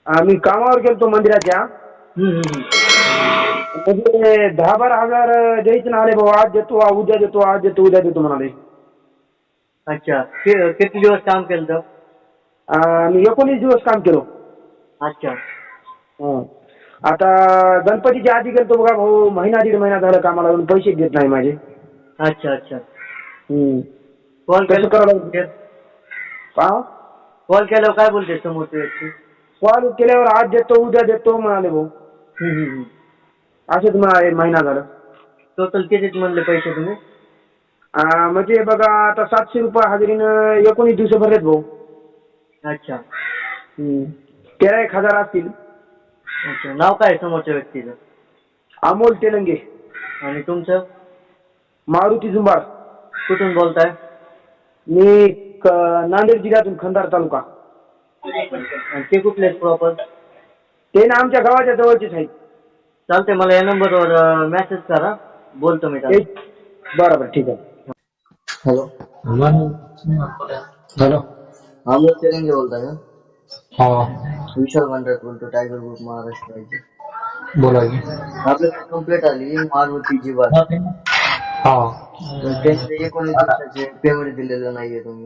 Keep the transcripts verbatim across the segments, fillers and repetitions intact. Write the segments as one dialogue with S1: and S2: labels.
S1: आम्ही कामावर गेलतो मंदिराच्या.
S2: हम्म, हम्म.
S1: म्हणजे दहा बारा हजार द्यायचे ना आले भाऊ. आज देतो उद्या देतो आज देतो उद्या देतो म्हणाले.
S2: अच्छा कि- किती दिवस काम केलं तर?
S1: आम्ही एकोणीस दिवस काम केलो.
S2: अच्छा
S1: हं. आता गणपतीच्या आधी गेलतो बघा भाऊ. महिना दीड महिना झाला कामाला लागून पैसे देत नाही माझे.
S2: अच्छा अच्छा
S1: हं.
S2: कॉल
S1: कसं करावं लागेल?
S2: केलं
S1: पहा
S2: कॉल केल्यावर काय बोलते समोरची व्यक्ती?
S1: कॉल केल्यावर आज देतो उद्या देतो म्हणाले भाऊ.
S2: हम्म, हम्म, हम्म.
S1: असंच म्हणाले महिना झाला.
S2: टोटल किती म्हणले पैसे तुम्ही?
S1: आ, म्हणजे बघा आता सातशे रुपये हजेरीनं एकोणीस दिवस भरलेत भाऊ.
S2: अच्छा
S1: हं. तेरा एक हजार असतील.
S2: अच्छा नाव काय आहे समोरच्या व्यक्तीचं?
S1: अमोल तेलंगे.
S2: आणि तुमचं?
S1: मारुती जुंबार.
S2: कुठून बोलताय?
S1: मी क- नांदेड जिल्ह्यातून खंडार तालुका.
S2: आणि ते कुठले प्रॉपर?
S1: ते ना आमच्या गावाच्या जवळचेच आहेत.
S2: चालते मला या नंबरवर मेसेज करा, बोलतो मी त्याला.
S1: एक- बरं बरं ठीक आहे.
S2: Hello
S3: hello.
S2: अमोल तेलंगे बोलताय का?
S3: हा
S2: विशाल मंडळ बोलतो, टायगर ग्रुप महाराष्ट्राचे.
S3: बोला की.
S2: आपल्याकडे कंप्लेंट आली मारुती जीवन.
S3: हा
S2: त्यांचे एकोणीस दिवसाचे पेमेंट दिलेलं नाहीये तुम्ही.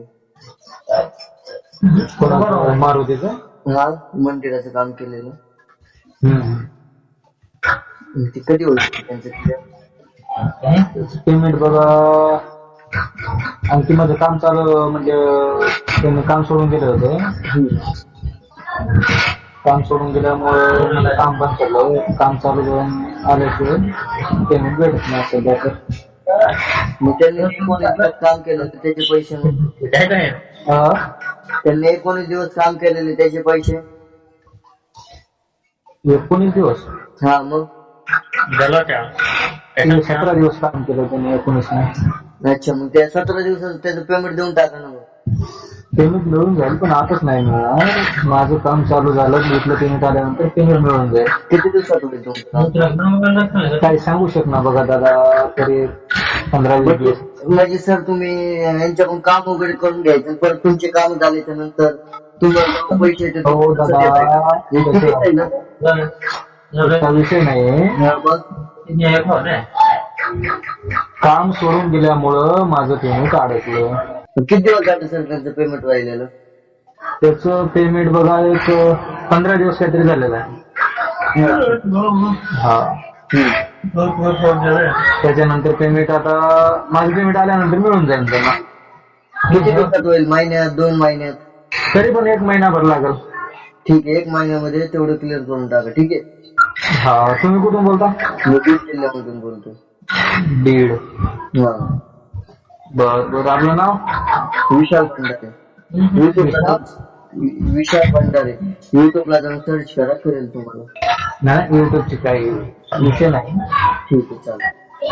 S3: कोणाचं? मारुतीचं?
S2: हा मंदिराचं काम केलेलं.
S3: हम्म.
S2: ते कधी होईल त्यांचं क्लिअर?
S3: पेमेंट बघा. आणखी माझं काम चालू म्हणजे त्यांनी काम सोडून गेलं होतं. काम सोडून गेल्यामुळे मला काम बंद केलं. काम चालू करून आल्याशिवाय पेमेंट भेटत नाही सध्या तर.
S2: मग त्यांनी एकोणीस दिवस काम केलं तर त्याचे पैसे नाही?
S3: हा?
S2: त्यांनी एकोणीस दिवस काम केलेले त्याचे पैसे?
S3: एकोणीस दिवस?
S2: हा मग
S3: त्यांनी सतरा दिवस काम केलं त्यांनी एकोणीस नाही.
S2: अच्छा मग त्या सतरा दिवसाचं त्याचं पेमेंट देऊन टाका ना मग.
S3: पेमेंट मिळून जाईल पण आताच नाही मिळणार. माझं काम चालू झालं इथलं पेमेंट आल्यानंतर पेमेंट मिळून जाईल.
S2: किती दिवसात होईल तुमचं?
S3: काही सांगू शकणार बघा दादा. तरी पंधरा वीस दिवस.
S2: म्हणजे सर तुम्ही यांच्याकडून काम वगैरे करून घ्यायचं परत तुमचे काम झाल्याच्या नंतर तुम्हाला पैसे येते.
S3: हो दादा
S2: ना
S3: तसा विषय नाही. काम सोडून दिल्यामुळं माझं पेमेंट अडकलं.
S2: किती दिवस झाले सर त्यांचं पेमेंट राहिलेलं?
S3: त्याचं पेमेंट बघा एक पंधरा दिवस काहीतरी झालेलं आहे. हा त्याच्यानंतर पेमेंट आता माझं पेमेंट आल्यानंतर मिळून जाईल त्यांना.
S2: किती दिवसात होईल? महिन्यात दोन महिन्यात?
S3: तरी पण एक महिनाभर लागेल.
S2: ठीक आहे एक महिन्यामध्ये तेवढं क्लिअर करून टाका. ठीक आहे.
S3: हा तुम्ही कुठून बोलता?
S2: मी बीड जिल्ह्यामधून बोलतो.
S3: बीड.
S2: हा
S3: बर बर आपलं नाव?
S2: विशाल भंडारे. युट्यूबला विशाल भंडारे युट्यूबला जाऊन सर्च करा करेल तुम्हाला.
S3: नाही युट्यूबची काही विषय नाही.
S2: ठीक आहे चालेल.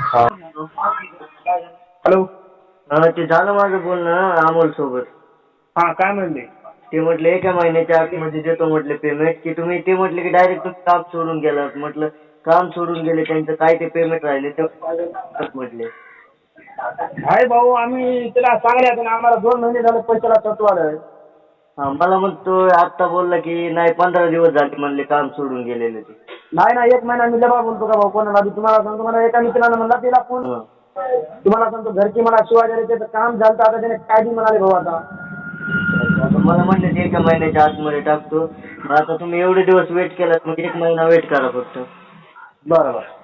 S1: हॅलो.
S2: हा ते झालं माझं बोलणं अमोल सोबत.
S1: हा काय म्हणले?
S2: ते म्हटले एका महिन्याच्या आतमध्ये देतो म्हटले पेमेंट. की तुम्ही ते म्हटले की डायरेक्ट तुम्ही काम सोडून गेला. म्हटलं काम सोडून गेले त्यांचं काय ते पेमेंट राहिले ते म्हटले.
S1: हाय भाऊ आम्ही त्याला सांगण्यात आम्हाला दोन महिने झाले पैशाला तत्व आलं.
S2: हा मला मग तो आता बोलला की नाही पंधरा दिवस झाले म्हणले काम सोडून गेलेले ते.
S1: नाही ना एक महिना मी लबा बोलतो का भाऊ कोणाला बी. तुम्हाला सांगतो मला एका मित्रानं म्हणला त्याला फोन. तुम्हाला सांगतो घरची मला शिवाय द्यायला त्याचं काम झालं आता त्याने काय बी म्हणाले भाऊ आता.
S2: मला म्हणले ते एका महिन्याच्या आतमध्ये टाकतो. मग आता तुम्ही एवढे दिवस वेट केलात मग एक महिना वेट करा फक्त.
S1: बरोबर.